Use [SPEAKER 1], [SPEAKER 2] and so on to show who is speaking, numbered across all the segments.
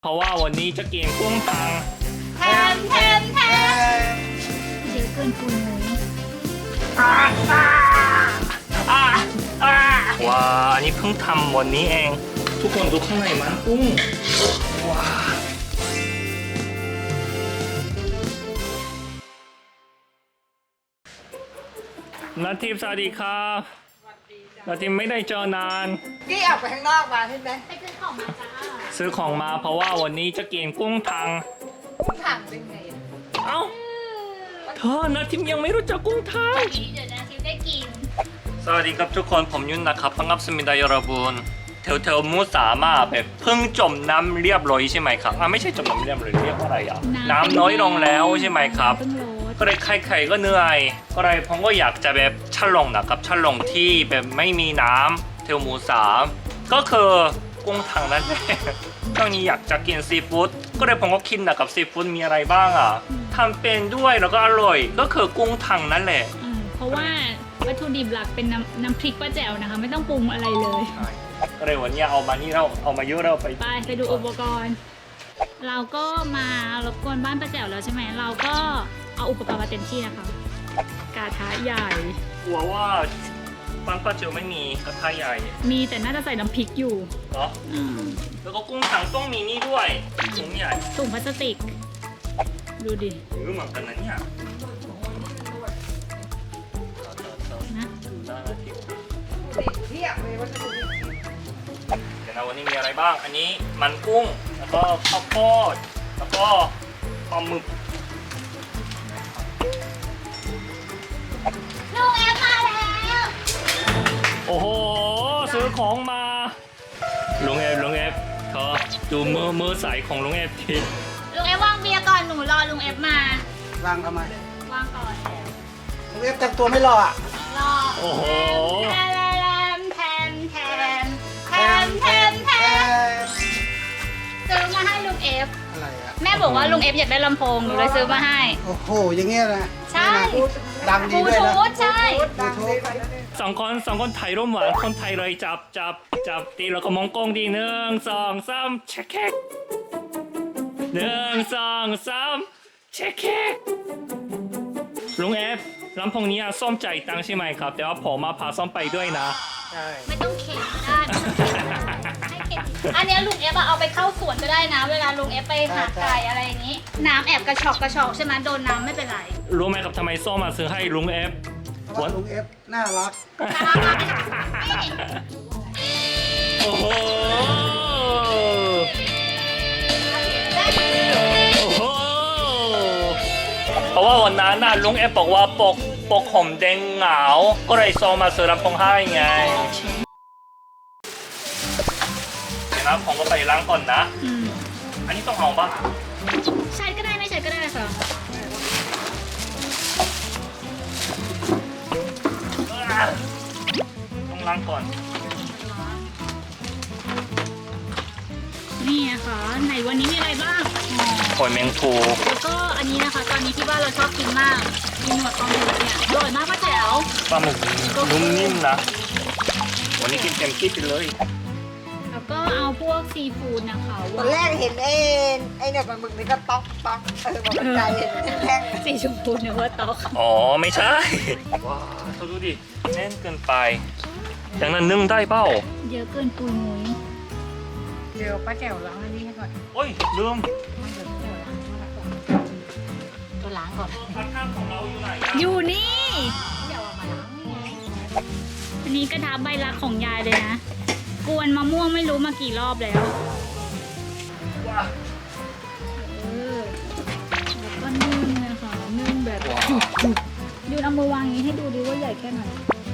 [SPEAKER 1] เพราะว่าวันนี้จะกินกุ้งทัง
[SPEAKER 2] แทมเดี๋ยวเกินปุยมุ้ย
[SPEAKER 1] ว้าอันนี้เพิ่งทำวันนี้เอง ทุกคนดูข้างในมันกุ้งว้านาทีสวัสดีครับนาทีไม่ได้เจอนาน
[SPEAKER 3] กี้ออกไปข้างนอกมาใช่ไหม
[SPEAKER 2] ไปซื้อของมาจ้า
[SPEAKER 1] ซื้อของมาเพราะว่าวันนี้จะกินกุ้งทัง
[SPEAKER 3] คุณถังเป็นไง
[SPEAKER 1] เอ้าเธอนาทียังไม่รู้จักกุ้งทัง
[SPEAKER 2] เดี๋ยวนะทิพย์ได้กิน
[SPEAKER 1] สวัสดีครับทุกคนผมยุ่นนะครับ반갑습니다 여러분แถวมูสามาแบบเพิ่งจมน้ำเรียบร้อยใช่ไหมครับไม่ใช่จมน้ำเรียบร้อยเรียกว่าอะไรอ่ะน้ำน้อยลงแล้วใช่ไหมครับก็เลยใครๆก็เหนื่อยก็เลยผมก็อยากจะแบบฉลองนะครับฉลองที่แบบไม่มีน้ำแถวมูสาก็คือกุ้งถังนั่นแหละช่วงนี้อยากจะกินซีฟู้ดก็เลยผมก็คิดนะครับซีฟู้ดมีอะไรบ้างอ่ะทำเป็นด้วยแล้วก็อร่อยก็คือกุ้งถังนั่นแหละ
[SPEAKER 2] เพราะว่าวัตถุดิบหลักเป็นน้ำพริกป้าแจ๋วนะคะไม่ต้องปรุงอะไรเลย
[SPEAKER 1] ก็เลยวันนี้เอามานี่เราเอามาเยอะเราไป
[SPEAKER 2] ไปดูอุปกรณ์ เราก็มารบกวนบ้านป้าแจ๋วแล้วใช่ไหมเราก็เอาอุปกรณ์มาเต็มที่นะคะกระทะใหญ่
[SPEAKER 1] กลัวว่าปังปลาเจียวไม่มีกระทะใหญ่
[SPEAKER 2] มีแต่น่าจะใส่น้ำพริกอยู่
[SPEAKER 1] เนาะแล้วก็กุ้งถังต้องมีนี่ด้วยถุงใหญ่
[SPEAKER 2] ถุงพลาสติก ดูดิ
[SPEAKER 1] เหมือนกันนะเนี่ย
[SPEAKER 2] นะ
[SPEAKER 3] เทียบเลยว่าจะดู
[SPEAKER 1] เดี๋ยวนะวันนี้มีอะไรบ้างอันนี้มันกุ้งแล้วก็ข้าวโพดแล้วก็ปลาหมึก
[SPEAKER 2] ลูกแอมมาแล้ว
[SPEAKER 1] โอ้โหซื้อของมาลุงเอฟเธอดูมือใสของลุงเอฟที
[SPEAKER 2] ลุงเอฟวางเบียร์ก่อนหนูรอลุงเอฟมาว
[SPEAKER 3] างทำไม
[SPEAKER 2] วางก่อน
[SPEAKER 3] ลุงเอฟแต่งตัวไม่รออ่ะ
[SPEAKER 2] รอ
[SPEAKER 1] โอ้โห
[SPEAKER 2] แทมซื้อมาให้ลุงเอฟ
[SPEAKER 3] อะไรอ่ะ
[SPEAKER 2] แม่บอกว่าลุงเอฟอยากได้ลำโพงหนูเลยซื้อมาให้
[SPEAKER 3] โอ้โหอย่างเงี้ยนะ
[SPEAKER 2] ใช่
[SPEAKER 3] ดัง
[SPEAKER 2] บ
[SPEAKER 3] ดี
[SPEAKER 2] ลู
[SPEAKER 3] ด้วยนะ
[SPEAKER 2] ทูธใช่
[SPEAKER 3] บลูทูธ
[SPEAKER 1] สองคนถ่ายรูปหวานคนไทยเลยจับตีแล้วก็มองกล้องดี1 2 3เช็คแคก1 2 3เช็คแคกลุงเอฟลำโพงนี้ส้มใจายตังค์ใช่ไหมครับแต่ว่าผมมาพาส้มไปด้วยนะ
[SPEAKER 3] ใช่
[SPEAKER 2] ไม่ต้องเข็นก็ได้ไม่ต้องเข็นให้เข็นอันเนี้ยลุงเอฟเอาไปเข้าสวนก็ได้นะ เวลาลุงเอฟไปหาไก่อะไรอย่างนี้ น้ำแอบกระชอกใช่ไหมโดนน้ำไม่เป็นไร
[SPEAKER 1] รู้ไหมครับทำไมส้มมาซื้อให้ลุงเอฟ
[SPEAKER 3] เพราะว่าลุงเอฟน่ารัก
[SPEAKER 1] โอ้โหโอ้โหเพราะว่าวันนั้นน่ะลุงเอฟบอกว่าปกผมแดงเหงาก็เลยส้มมาซื้อลำโพงให้ไงเดี๋ยวนะผมก็ไปล้างก่อนนะ อันนี้ต้องเอาปะ
[SPEAKER 2] ใช้ก็ได้ไม่ใช้ก็ได้ค่ะ
[SPEAKER 1] ต้องล้างก่อน
[SPEAKER 2] นี่นะคะไหนวันนี้มีอะไรบ้าง
[SPEAKER 1] หอยแมงภู
[SPEAKER 2] แล้วก็อันนี้นะคะ ตอนนี้ที่บ้านเราชอบกินมากมีหนวดปลาหมึกเนี่ยอร่อยมากป้าแจ๋ว
[SPEAKER 1] ปลาหมึกนุ่มนิ่มนะ วันนี้กินเต็มที่ไปเลย
[SPEAKER 2] แล้วก็เอาพวกซีฟู้ดนะคะ
[SPEAKER 3] ตอนแรกเห็นไอ้เนี่ยมันมึกนี่ก็ต๊อกบอกมันใจเห็นแท่ง
[SPEAKER 2] สีชมพูเนื้อต๊อก
[SPEAKER 1] อ๋อ ไม่ใช่ ว้าวเธอดูดิแน่นเกินไปอย่างนั้นนึ่งได้เปล่า
[SPEAKER 2] เยอะเกินปุยมุ้ย
[SPEAKER 3] เดี๋ยวป้าแก้วล้างอันนี้ให้ก่อน
[SPEAKER 1] โอ้ยลืม
[SPEAKER 2] ตัวล้างก่อน
[SPEAKER 1] พัดข้างของเราอยู่ไหนอะ
[SPEAKER 2] อยู่นี่
[SPEAKER 3] เดี๋ยวเอามาล้างนี่ไง
[SPEAKER 2] อันนี้กระทะใบรักของยายเลยนะ กวนมะม่วงไม่รู้มากี่รอบแล้ว
[SPEAKER 1] ว้าว
[SPEAKER 2] แล้วก็นึ่งนะคะนึ่งแบบจุกๆยูนเอามือวางอย่างนี้ให้ดูดิว่าใหญ่แค่ไหน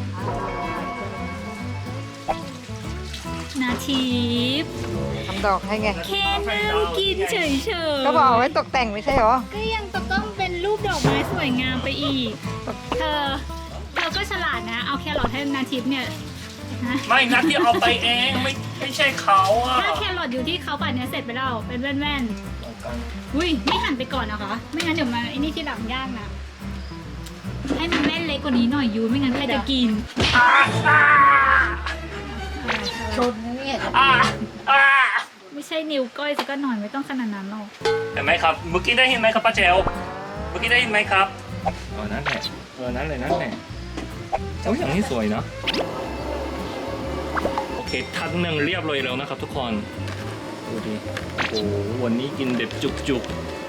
[SPEAKER 2] นาทีฟ
[SPEAKER 3] ทำดอกให้ไง
[SPEAKER 2] แค่นั่งกินเฉยๆ
[SPEAKER 3] ก็บอกเอาไว้ตกแต่งไม่ใช่เหรอ
[SPEAKER 2] ก็ยังต้องเป็นรูปดอกไม้สวยงามไปอีก เธอก็ฉลาดนะ เอาแครอทให้นาทิพย์เนี่ยนะ
[SPEAKER 1] ไม่นัดที่เอาไปเองไม่ใช่เขาอะ
[SPEAKER 2] ถ้าแครอทอยู่ที่เขาป่านเนี้ยเสร็จไปแล้วเป็นแว่นๆอุ้ยไม่หั่นไปก่อนนะคะ ไม่งั้นเดี๋ยวมาไอ้นี่ที่หลังยากนะ ให้มันแม่นเล็กกว่านี้หน่อยยูไม่งั้นใครจะกิน
[SPEAKER 3] ชนนี่
[SPEAKER 1] อ่า
[SPEAKER 2] ไม่ใช่นิ้วก้อยสักหน่อยไม่ต้องขนาดนั้นหรอก
[SPEAKER 1] เห็นไหมครับ เมื่อกี้ได้ยินไหมครับป้าเจลเมื่อกี้ได้ยินไหมครับนั่นแหละนั่นเลยนั่นแหละโอ้ยอย่างนี้สวยเนาะโอเคทัดหนึ่งเรียบร้อยแล้วนะครับทุกคนดูดิโอ้โหวันนี้กินเด็ดจุก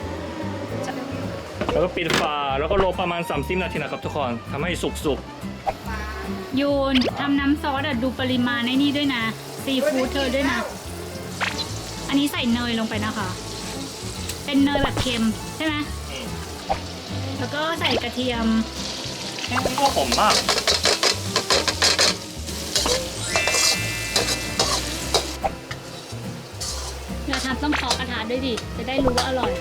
[SPEAKER 1] ๆแล้วก็ปิดฝาแล้วก็รอประมาณ30 นาทีนะครับทุกคนทำให้สุก
[SPEAKER 2] ยูนทำน้ำซอสอะดูปริมาณในนี่ด้วยนะซีฟู้ดเธอด้วยนะ อันนี้ใส่เนยลงไปนะคะ เป็นเนยแบบเค็มใช่ไหม
[SPEAKER 1] ๆ
[SPEAKER 2] แล้วก็ใส่กระเทียม
[SPEAKER 1] แค่นี้ก็หอมมาก
[SPEAKER 2] เวลาทำต้องเคาะกระทะด้วยดิ จะได้รู้ว่าอร่อย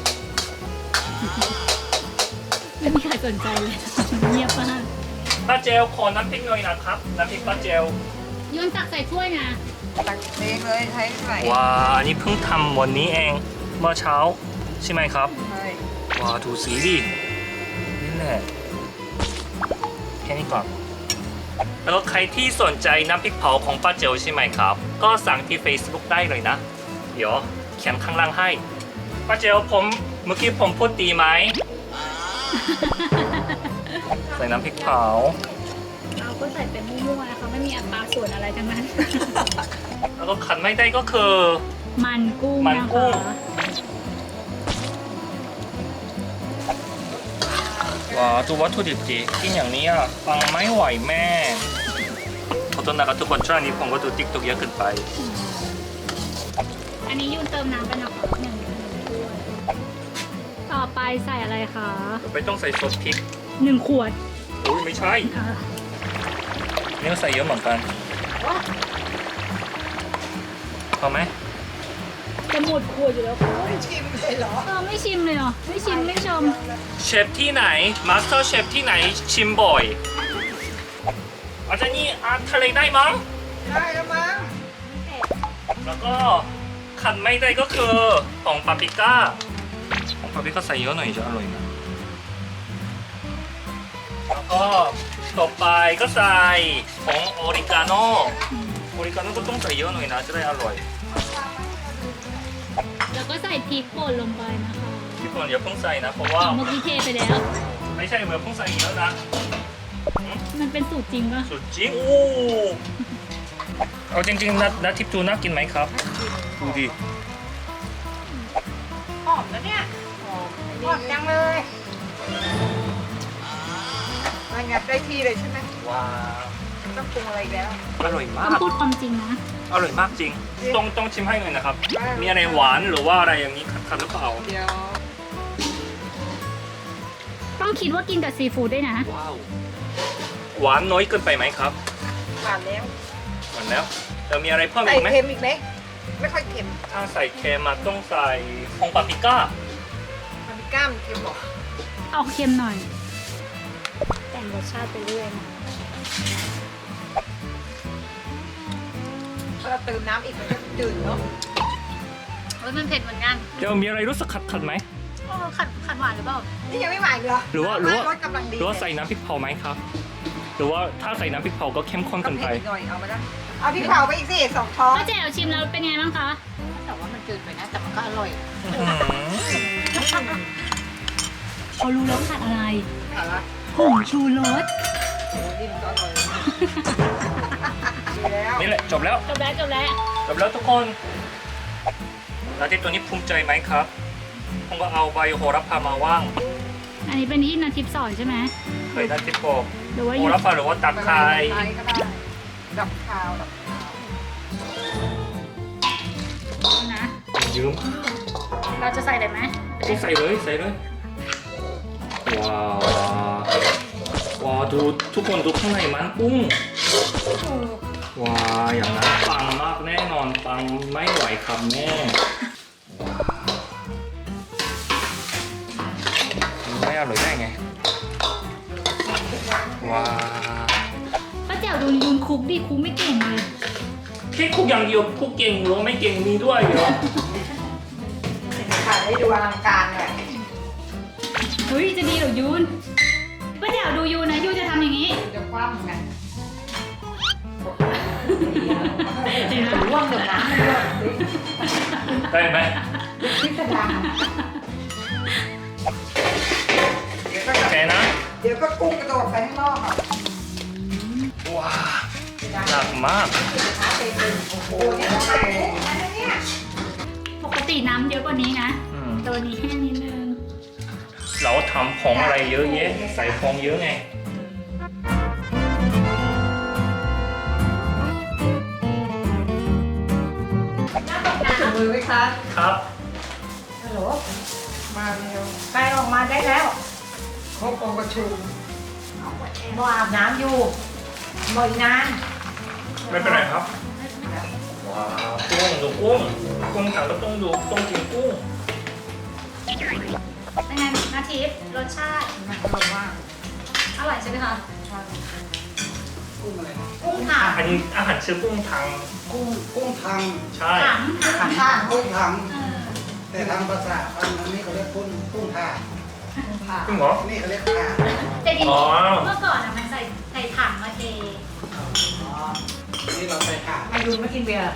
[SPEAKER 2] ไม่มีใครสนใจเลย เงียบมาก
[SPEAKER 1] ป้าเจลขอน้ำพริกหน่อยนะครับน้ำพริกป้าเจล
[SPEAKER 2] ยูนตักใส่ถ้วยนะ
[SPEAKER 3] ตักเองเลยใช้ไหน
[SPEAKER 1] ว้าอันนี้เพิ่งทำวันนี้เองเมื่อเช้าใช่ไหมครับ
[SPEAKER 3] ใช่
[SPEAKER 1] ว้าดูสีดินี่แหละแค่นี้ก่อนแล้วก็ใครที่สนใจน้ำพริกเผาของป้าเจลใช่ไหมครับ ก็สั่งที่ Facebook ได้เลยนะ เดี๋ยวเขียนข้างล่างให้ป้าเจลผมเมื่อกี้ผมพูดดีไหม ใส่น้ำพริกเผา
[SPEAKER 2] เราก็ใส่เป็นมั่วๆนะคะไม่มีอัตราส่วนอะไรทั้งนั้น
[SPEAKER 1] แล้วก็ขัดไม่ได้ก็คือ
[SPEAKER 2] มันกุ้ง
[SPEAKER 1] มัน
[SPEAKER 2] นะ
[SPEAKER 1] กุ้ง
[SPEAKER 2] คะ
[SPEAKER 1] ว้าวดูวัตถุดิบดิกินอย่างนี้อ่ะฟังไม่ไหวแม่ขอโทษนะครับทุกคนช่วงนี้ผมก็ดูติ๊กต็อกเยอะเกินไป
[SPEAKER 2] อันนี้ยูนเติมน้ำไปนะคะหนึ่งถ้วยต่อไปใส่อะไรคะ
[SPEAKER 1] ไปต้องใส่ซอสพริก
[SPEAKER 2] 1 ขวด
[SPEAKER 1] โอ้ยไม่ใช่
[SPEAKER 2] อ่า
[SPEAKER 1] นี่ก็ใส่เยอะเหมือนกันพอไหม
[SPEAKER 2] จะหมดขวดอยู่แล้วค่ะ
[SPEAKER 3] ไม่ชิมเลยเหรอ
[SPEAKER 2] ไม่ชิมเลยเหรอ ไม่ชิมไม่ชม
[SPEAKER 1] เชฟที่ไหนมาสเตอร์เชฟที่ไหนชิมบ่อยอาจารย์นี่อาทะเลได้มั้ง
[SPEAKER 3] ได้แล้วมั้ง
[SPEAKER 1] แล้วก็ขัดไม่ได้ก็คือของปาปริก้าของปาปริก้าใส่เยอะหน่อยจะอร่อยนะแล้วก็ต่อไปก็ใส่ของออริกาโนออริกาโนก็ต้องใส่เยอะหน่อยนะจะได้อร่อย
[SPEAKER 2] แล้วก็ใส่พริกป่นลงไปนะคะ
[SPEAKER 1] พี่ฝนอย่าเพิ่งใส่นะเพราะว่า
[SPEAKER 2] เมื่อกี้เทไปแล้ว
[SPEAKER 1] ไม่ใช่เมื่อเพิ่งใส่เยอะนะ
[SPEAKER 2] มันเป็นสูตรจริงปะ
[SPEAKER 1] สุดจริงอู้เอาจริงๆนัททิพย์จูน่ากินไหมครับดูดิ
[SPEAKER 3] หอมนะเนี่ยหอมจังเลยมันงัดได้ที่เลยใช่ไหม
[SPEAKER 1] ว้าว
[SPEAKER 3] ไม่ต้องปรุงอะไรอีกแล้ว
[SPEAKER 1] อร่อยมา
[SPEAKER 2] ต้อก งพูดความจริงนะ
[SPEAKER 1] อร่อยมากจริงต้องชิมให้หน่อยนะครับ
[SPEAKER 3] ได้
[SPEAKER 1] มีอะไรหวานหรือว่าอะไรอย่างนี้ขัดหรือเปล่า
[SPEAKER 3] เดี๋ยว
[SPEAKER 2] ต้องคิดว่ากินกับซีฟู้ดด้วยนะ
[SPEAKER 1] ว้าวหวานน้อยเกินไปไหมครับ
[SPEAKER 3] ผ่านแล้ว
[SPEAKER 1] หวานแล้วเรามีอะไรเพิ่ม
[SPEAKER 3] ใส่
[SPEAKER 1] อีกไหม
[SPEAKER 3] เค็มอีกไหมไม่ค่อยเค็ม
[SPEAKER 1] ถ้าใส่เค็มมาต้องใส่ผงปาปริก้า
[SPEAKER 3] มันมีกล้ามเค็มหรอ
[SPEAKER 2] เอาเค็มหน่อย แต่งรสชาติไปเรื่อยนะ
[SPEAKER 3] ถ้าเราเติมน้ำอีกมันก็จืดเนาะ
[SPEAKER 2] มันเผ็ดเหมือนกัน
[SPEAKER 1] เดี๋ยวมีอะไรรู้สึกขัดไหม
[SPEAKER 2] ขัดหวานหรือเปล่า
[SPEAKER 3] นี่ยังไม่หวานอีกเหรอ
[SPEAKER 1] หรือว่า
[SPEAKER 3] รสกำลังดี
[SPEAKER 1] หรือว่าใส่น้ำพริกเผาไหมครับ หรือว่าถ้าใส่น้ำพริกเผาก็เข้มข้น
[SPEAKER 3] ก็
[SPEAKER 1] เกิน
[SPEAKER 3] เผ็
[SPEAKER 1] ไป
[SPEAKER 3] ดอีกหน่อยเอามาได้เอาพริกเผาไปอีกสิ2 ช้อน
[SPEAKER 2] ป้าแจ๋วชิมแล้วเป็นไงบ้างคะ
[SPEAKER 3] แต่ว่ามันจืดไปนะแต่มันก็อร่อย
[SPEAKER 2] เขารู้แล้วขาดอะไร
[SPEAKER 3] อะไร
[SPEAKER 2] ผงชูรส
[SPEAKER 3] โอ้นี่มันก็อร่อยดีแล้ว
[SPEAKER 1] นี่แหละจบแล้ว
[SPEAKER 2] จบแล้วจบแล้ว
[SPEAKER 1] จบแล้วทุกคนแล้วที่ตัวนี้ภูมิใจไหมครับผมก็เอาใบโหระพามาว่าง
[SPEAKER 2] อันนี้เป็นที่นาทิพย์สอนใช่ไหม
[SPEAKER 1] เคยได้ที่บอก
[SPEAKER 2] หรือว่า
[SPEAKER 1] โหระพาหรือว่าตับไคร้
[SPEAKER 3] ก็ได้ดับคาวดับคาว
[SPEAKER 2] นะ
[SPEAKER 1] ยืม
[SPEAKER 2] เราจะใส่อะไรไหม
[SPEAKER 1] ต้องใส่เลยใส่เลยว้าวว้าวดูทุกคนดูข้างในมันกุ้งว้าวอย่างนั้นปังมากแน่นอนปังไม่ไหวครับแม่ไม่อร่อยได้ไงว้าว
[SPEAKER 2] ป้าแจ๋วดูยูนคุกดิคุกไม่เก่งเลย
[SPEAKER 1] แค่คุกอย่างเดียวคุกเก่งหรือไม่เก่งมีด้วยเหรอ
[SPEAKER 3] ถ่ายให้ดูอลังการเลย
[SPEAKER 2] เฮ้ยจะดีเหรอยูนป้าแจ๋วดูยูนนะยูนจะทำอย่างนี้
[SPEAKER 3] จะคว่ำไง
[SPEAKER 2] เห็นไหม
[SPEAKER 3] ร่วงเดี๋ยวน้ำมันร่วง
[SPEAKER 1] ได้ไหม
[SPEAKER 3] พิสดารเดี๋ยวก็
[SPEAKER 1] โอเคนะ
[SPEAKER 3] เดี๋ยวก็กุ้งกระโดดไปข้างนอกอ่ะ
[SPEAKER 1] ว้าหนักมาก
[SPEAKER 3] ขาเต็มโอ้โหเนี่ยต้องใส่กุ้งอะไรเนี่ย
[SPEAKER 2] ปกติน้ำเยอะกว่านี้นะ
[SPEAKER 1] อืม
[SPEAKER 2] ตัวนี้แค่นิดนึง
[SPEAKER 1] เราทำของอะไรเยอะแยะใส่ของเยอะไง
[SPEAKER 3] ถึงมือไหมคะ
[SPEAKER 1] ครับ
[SPEAKER 3] ฮัลโหลมาเร็วไปออกมาได้แล้วครบองค์ประชุมรออาบน้ำอยู่หมดนาน
[SPEAKER 1] ไม่เป็นไรครับว้าวกุ้งดูกุ้งกุ้งถังก็ต้องดูต้องกินกุ้ง
[SPEAKER 2] เป็นไงนาทิพย์รสชาติ
[SPEAKER 3] มันอร่อยมาก
[SPEAKER 2] อร่อยใช่ไหมคะ
[SPEAKER 4] กุ้งอะไรนะ
[SPEAKER 2] กุ้งถัง
[SPEAKER 1] อันนี้อาหารชื่อกุ้งถัง
[SPEAKER 4] กุ้งทัง
[SPEAKER 1] ใช่
[SPEAKER 2] ถัง
[SPEAKER 3] ข้าง
[SPEAKER 4] กุ้งทัง
[SPEAKER 2] เออ
[SPEAKER 4] แต่ทางภาษาอันนี้เขาเรียกกุ้งท่า
[SPEAKER 3] ค่ะ
[SPEAKER 1] จริงเหรอ
[SPEAKER 4] นี่เขาเรียกท่า
[SPEAKER 2] แต่จริง
[SPEAKER 1] อ๋อ
[SPEAKER 2] ๆเมื่อก่อนอะมันใส่ถังมาเท
[SPEAKER 4] นี่เราใส่ข่า
[SPEAKER 3] มายุนมากินเบียร์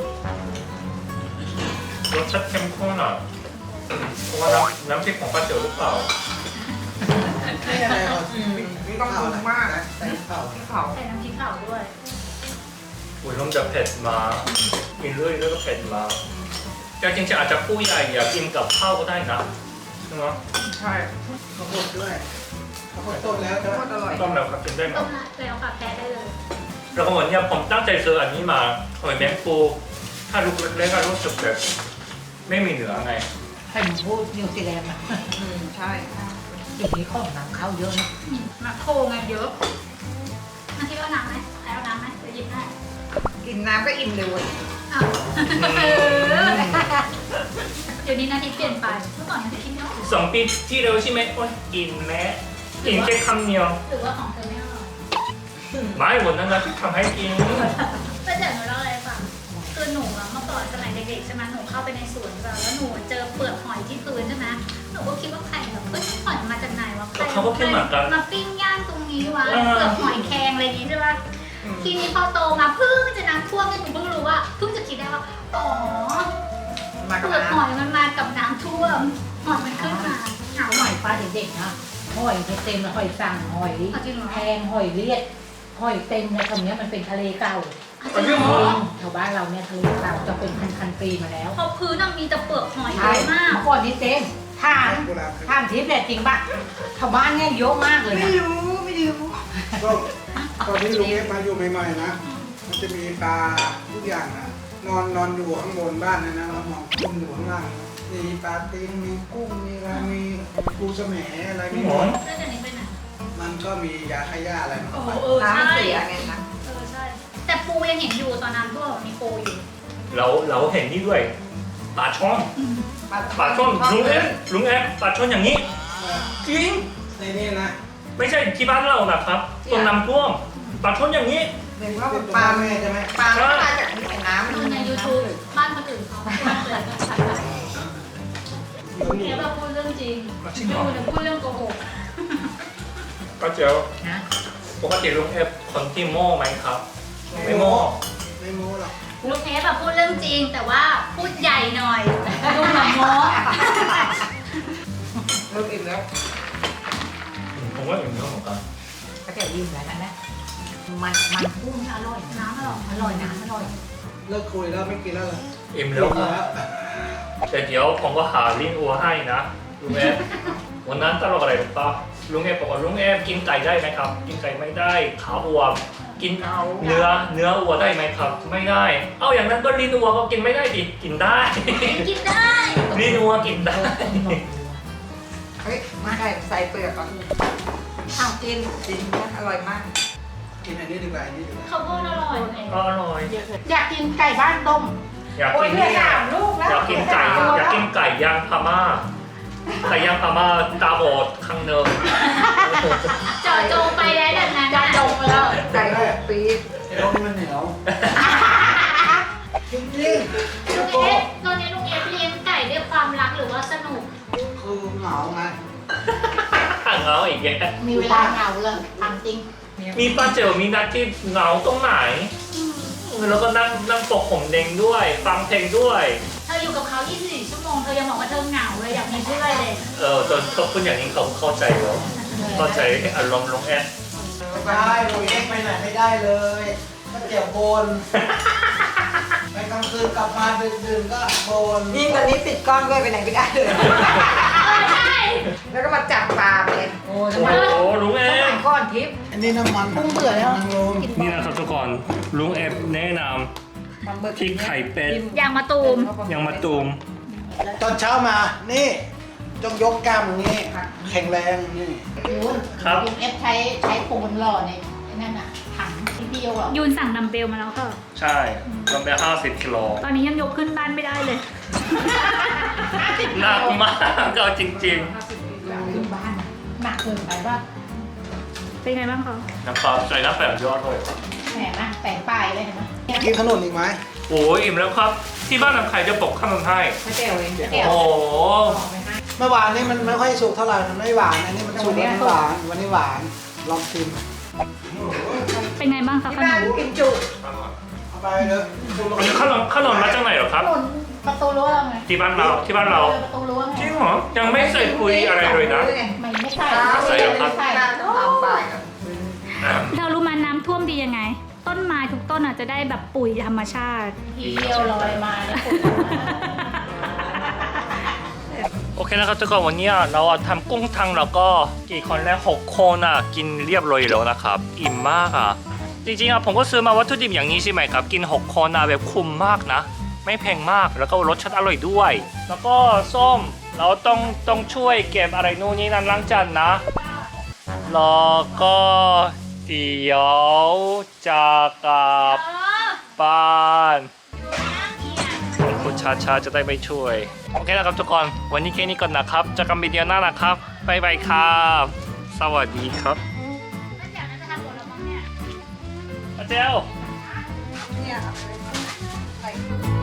[SPEAKER 1] รสชาติเข้มข้นอ่ะเพราะว่าน้ำพริกของป้าเจ๋อหรือเปล่า
[SPEAKER 4] นี่อะไรเรานี่ต้องเอามากนะใส่เผา
[SPEAKER 3] ที่เขา
[SPEAKER 2] ใส่น้ำพริกเผาด้วย
[SPEAKER 1] อุ้ยเริ่มจะเผ็ดมากินเรื่อยๆก็เผ็ดมาแต่จริงๆอาจจะผู้ใหญ่อยากกินกับข้าวก็ได้นะใช่ไหม
[SPEAKER 3] ใช่
[SPEAKER 4] ข้าวโพดด้วยข้าวโพดต้มแล้วใช่ไหม
[SPEAKER 3] อร่อย
[SPEAKER 1] ต้มแล้วครับกินได้ไหม
[SPEAKER 2] ต้มแล้วค่ะแพ้ได้เลย
[SPEAKER 1] แล้วก็วันนี้ผมตั้งใจซื้ออันนี้มาหอยแมงปูถ้าลูกเล็กๆก็รู้สึกแบบไม่มีเนื้อไง
[SPEAKER 5] ไข่หมูพูดนิวซีแลนด์อ่ะ
[SPEAKER 3] ใช่
[SPEAKER 5] เดี๋ยวนี้ของนำเข้าเยอะนะ
[SPEAKER 2] มาโคไงเยอะนาทิพย์เอาน้ำไหมใครเอาน้ำไหมจะหยิบได้
[SPEAKER 3] กินน้ำก็อิ่มเลย
[SPEAKER 2] อ้าวเดี๋ยวนี้นาทิพย์เปลี่ยนไป เมื่อก่อนนาทิพย์กินเยอะ
[SPEAKER 1] 2 ปีที่แล้วใช่ไหมโอ๊ยกินแม้กินแค่คำเดียว
[SPEAKER 2] หรือว่าของเธอไม่อร่อย
[SPEAKER 1] ไม่วันนั้นนะที่ทำให้กิน
[SPEAKER 2] ป้าแจ๋วหนูเล่าอะไรให้ฟังคือหนูอะเมื่อก่อนสมัยเด็กๆใช่ไหมหนูเข้าไปในสวนแบบแล้วหนูเจอเปลือกหอยที่พื้นใช่ไหมหนูก็คิดว่าใครแบบเฮ้ยหอยมาจากไหนวะใคร
[SPEAKER 1] เขาก็คิดเหมือนกัน
[SPEAKER 2] มาปิ้งย่างตรงนี้วะ
[SPEAKER 1] เออ
[SPEAKER 2] เปลือกหอยแครงอะไรอย่างงี้ใช่ปะทีนี้พอโตมาเพิ่งจะน้ำท่วมเนี่ยหนูเพิ่งรู้ว่าเพิ่งจะคิดได้ว่าอ๋อ
[SPEAKER 3] มา
[SPEAKER 2] เป
[SPEAKER 3] กับ
[SPEAKER 2] ลือก
[SPEAKER 3] น้
[SPEAKER 2] หอยมันมากับน้ำท่วมหอยมันขึ้นมาหา
[SPEAKER 5] หอยปลาเด็กๆนะหอยเต็มเลยหอยสั่งหอย
[SPEAKER 2] เอาจริงเหรอ
[SPEAKER 5] แพงหอยเลียดหอยเต็มในคำนี้ยมันเป็นทะเลเก่า
[SPEAKER 1] เอาจริงเหรอ
[SPEAKER 5] แถวบ้านเราเนี่ยทะเลเก่าจะเป็นพันๆปีมาแล้ว
[SPEAKER 2] พอพื้นน่ะมีแต่เปลือกหอยเย
[SPEAKER 5] ใช่
[SPEAKER 2] อะมาก
[SPEAKER 5] เมื่อก่อนนี้เต็มถาม
[SPEAKER 4] โบราณ
[SPEAKER 5] ถามทิพย์เนี่ยจริงป่ะชาวบ้านเนี่ยเยอะมากเลย
[SPEAKER 3] ำไม่
[SPEAKER 5] นะ
[SPEAKER 3] รู้ไม่รู้
[SPEAKER 4] ก็ตอนที่ลุงเอฟมาอยู่ใหม่ๆนะ มันจะมีปลาทุกอย่างนะนอนอยู่ข้างบนบ้านนะนะเรามองกุ้งอยู่ข้างล่างมีปลาตีนมีกุ้งมีอะไรมีปูสะแหมอะไรมีหมด
[SPEAKER 2] แล้วเดี๋ยวนี้ไปไหน
[SPEAKER 4] มันก็มียาฆ่าหญ้าอะไรมัน
[SPEAKER 2] โอ้
[SPEAKER 4] เข้า
[SPEAKER 2] โห
[SPEAKER 4] ไป
[SPEAKER 2] เออ
[SPEAKER 3] น้ำมัน
[SPEAKER 2] ใช่
[SPEAKER 3] เสียไงนะ
[SPEAKER 2] เออใช่ แต่ปูยังเห็นอยู่ตอนนั้นพวกมีปูอยู่
[SPEAKER 1] เราเห็นนี่ด้วยปลาช่อนปลาช่อนลุงแอฟปลาช่อนอย่างนี้จริง
[SPEAKER 4] ในนี้นะ
[SPEAKER 1] ไม่ใช่ที่บ้านเรานะครับตรงน้ำท่วมปลาช่อนอย่างนี้
[SPEAKER 3] เห็นว่า
[SPEAKER 4] เป็น
[SPEAKER 3] ปลา
[SPEAKER 4] แม่ใช่ไหม
[SPEAKER 3] ปลาไม่มาจากนี่แต่น้ำมัน
[SPEAKER 2] ดูใน YouTube บ้านคนอื่นเขาพูดเลยเนี่ยแบบพูดเรื่องจริงดูเนี่ยพูดเรื่องโกหก
[SPEAKER 1] ก็เจียว
[SPEAKER 5] นะ
[SPEAKER 1] ปกติลุงแอฟคนที่โม่ไหมครับ ไม่โม่
[SPEAKER 4] ไม่โม้หรอก
[SPEAKER 2] ลูกเทปแบบพูดเรื่องจริง แต่ว่าพูดใหญ่หน่อยดูเหมือนโม้
[SPEAKER 3] เริ่มอิ่มแล้ว
[SPEAKER 1] ผมว่าอย่างนี้เหมือนกัน
[SPEAKER 5] ก็จะยิ้มแล้วนะมันกุ้งอร่อย
[SPEAKER 2] น้ำอร่อย
[SPEAKER 5] อร่อยนะอร่อย
[SPEAKER 4] เลิกคุยแล้วไม่กินแล้วเหรอ
[SPEAKER 1] อิ่มแล้วครับแต่เดี๋ยวผมก็หาลิ้นอัวให้นะลุงแอฟวันนั้นตลกอะไรหรือเปล่าลุงแอฟบอกว่าลุงแอฟกินไก่ได้ไหมครับ กินไก่ไม่ได้ขาอัวกินเนื้ออัวได้ไหมครับ ไม่ได้ เอาอย่างนั้นก็ลิ้นอัวก็กินไม่ได้ดิกินได้
[SPEAKER 2] กินได้
[SPEAKER 1] ลิ้นอัวกินได้
[SPEAKER 3] เฮ้ยมาใส่เปลือกก่อนอ้าวกินนะอร่อยมาก
[SPEAKER 4] กินอันนี้ดีกว่าอันนี้ดีกว่า
[SPEAKER 2] ข้าวโพดอร่อย
[SPEAKER 1] ก็อร่อย
[SPEAKER 5] อยากกินไก่บ้านต้ม
[SPEAKER 1] อยาก
[SPEAKER 3] โอ้ย
[SPEAKER 1] กิน
[SPEAKER 3] เหลือ
[SPEAKER 1] นี่
[SPEAKER 3] 3 ลูกแล้ว
[SPEAKER 1] อยากกินไก่อยากกินไก่ย่างพม่าไก่ย่างพม่าตาบอดข้างเนิน
[SPEAKER 2] เจาะจงไปได้แบบนั้น
[SPEAKER 5] จะจงไปแล้ว
[SPEAKER 3] ไก่6 ปี
[SPEAKER 4] ไอ้รสนี่มันเหนียวจริง
[SPEAKER 2] ลุงเอฟตอนนี้ลุงเอฟเลี้ยงไก่ด้วยความรักหรือว่าสนุก
[SPEAKER 4] ๆคือเหงาไง
[SPEAKER 1] ข้างเงาอีกแก
[SPEAKER 5] มีเวลาเหงาเลยทำจริง
[SPEAKER 1] มีป้าเจอมีนัดที่เหงาตรงไหน แล้วก็นั่งปกผมเด้งด้วย ฟังเพลงด้วย
[SPEAKER 2] เธออยู่กับเขา24 ชั่วโมง เธอยังบอกว่าเธอเหงาเลยอยากมีเพื่อนเลย
[SPEAKER 1] จนเขาพูดอย่างนี้เขาเข้าใจแล้วเข้าใจอารมณ์ลงแอด
[SPEAKER 4] ไม่ได้ลุงเอ็กไปไหนไม่ได้เลยก็เจียวบนไปกลางคืนกลับมาดื่นๆก็บน
[SPEAKER 3] ยิ่งตอนนี้ติดกล้องด้วยไปไหนไม่ได้เลย
[SPEAKER 2] ใช่
[SPEAKER 3] แล้วก็มาจับปลาไปเลยโอ้ทำ
[SPEAKER 1] โอ้
[SPEAKER 3] ไม
[SPEAKER 1] โหลุงเอ
[SPEAKER 3] สมั
[SPEAKER 1] ฟ
[SPEAKER 3] ยก้อนทิพย์
[SPEAKER 4] อันนี้น้ำมัน
[SPEAKER 3] กุ้งเบื่อแล้ว
[SPEAKER 4] นางรม
[SPEAKER 1] นี่นะครับทุกคนลุงเอฟแนะน
[SPEAKER 3] มันเบิก
[SPEAKER 1] ำพริกไข่เป็ด
[SPEAKER 2] อย่างมะตูม
[SPEAKER 1] ยังมาตูม
[SPEAKER 4] ตอนเช้ามานี่ต้องยกกล้ามอย่างนี้แข็งแรงนี่
[SPEAKER 5] ยูน
[SPEAKER 1] ครับ
[SPEAKER 5] ยูนเอฟใช้ปูนหล่อในนั่นน่ะถังที่พี่โยอ่ะ
[SPEAKER 2] ยูนสั่งดัมเบลมาแล้วค่ะ
[SPEAKER 1] ใช่รวมไป50 กิโล
[SPEAKER 2] ตอนนี้ยังยกขึ้นบ้านไม่ได้เลย
[SPEAKER 1] หนักมากก็จริง
[SPEAKER 5] ขึ้นบ้านอะหนักเกินไปว่า
[SPEAKER 2] เป็นไงบ้างคะ
[SPEAKER 1] ๆนะครับใส่น้ำแป้งยอดเลยครับ
[SPEAKER 5] แหมนะแปะป้ายเลยเห็นไหม
[SPEAKER 4] กินขนมอีกไหม
[SPEAKER 1] โอ้ยอิ่มแล้วครับ ที่บ้านน้ำไข่จะปกขนมให้
[SPEAKER 3] ไม่เจ๋วเอง
[SPEAKER 5] แก้ว
[SPEAKER 1] โอ้โห
[SPEAKER 5] บอกไปให้
[SPEAKER 4] เมื่อวานนี้มันไม่ค่อยสุกเท่าไหร่มันไม่หวานอันนี้มันสุกแล้วมันหวานวันนี้หวานลองชิม
[SPEAKER 2] เป็นไงบ้างคะ
[SPEAKER 3] ที่
[SPEAKER 2] ข
[SPEAKER 3] บ้าน
[SPEAKER 2] นม
[SPEAKER 3] กินจุ
[SPEAKER 4] เอาไปเลย
[SPEAKER 1] อันนี้ขนมมาจากไหนเหรอครับ
[SPEAKER 5] ถนนประตูรั้วเราไง
[SPEAKER 1] ที่บ้านเรา
[SPEAKER 5] ประตูรั้วไง
[SPEAKER 1] จริงเหรอยังไม่ใส่ปุ๋ยอะไรเลยนะ
[SPEAKER 5] ไม่ใส่
[SPEAKER 1] ใส่เหรอครับ
[SPEAKER 5] ใส่
[SPEAKER 3] ต้องทำไปครับ
[SPEAKER 2] เรารู้มาน้ำท่วมดียังไง ต้นไม้ทุกต้นอาจจะได้แบบปุ๋ยธรรมชาติ
[SPEAKER 5] ทีเดียวลอยมาเนี่ยปวดหัว
[SPEAKER 1] โอเคนะครับทุกคนวันนี้เราทำกุ้งทังแล้วก็กี่คนแล้ว6 คนกินเรียบร้อยแล้วนะครับอิ่มมากจริงๆผมก็ซื้อมาวัตถุดิบอย่างนี้ใช่ไหมครับกิน6 คนแบบคุ้มมากนะไม่แพงมากแล้วก็รสชาติอร่อยด้วย แล้วก็ส้มเราต้องช่วยเก็บอะไรนู่นนี่นั่นล้างจานนะแล้วก็เดี๋ยวจะกลับบ้านคุณชาจะได้ไปช่วยโอเคนะครับทุกคนวันนี้แค่นี้ก่อนนะครับเจอกันวิดีโอหน้านะครับบ๊ายบายครับสวัสดีครับอาเจล
[SPEAKER 3] เนี่ยใส่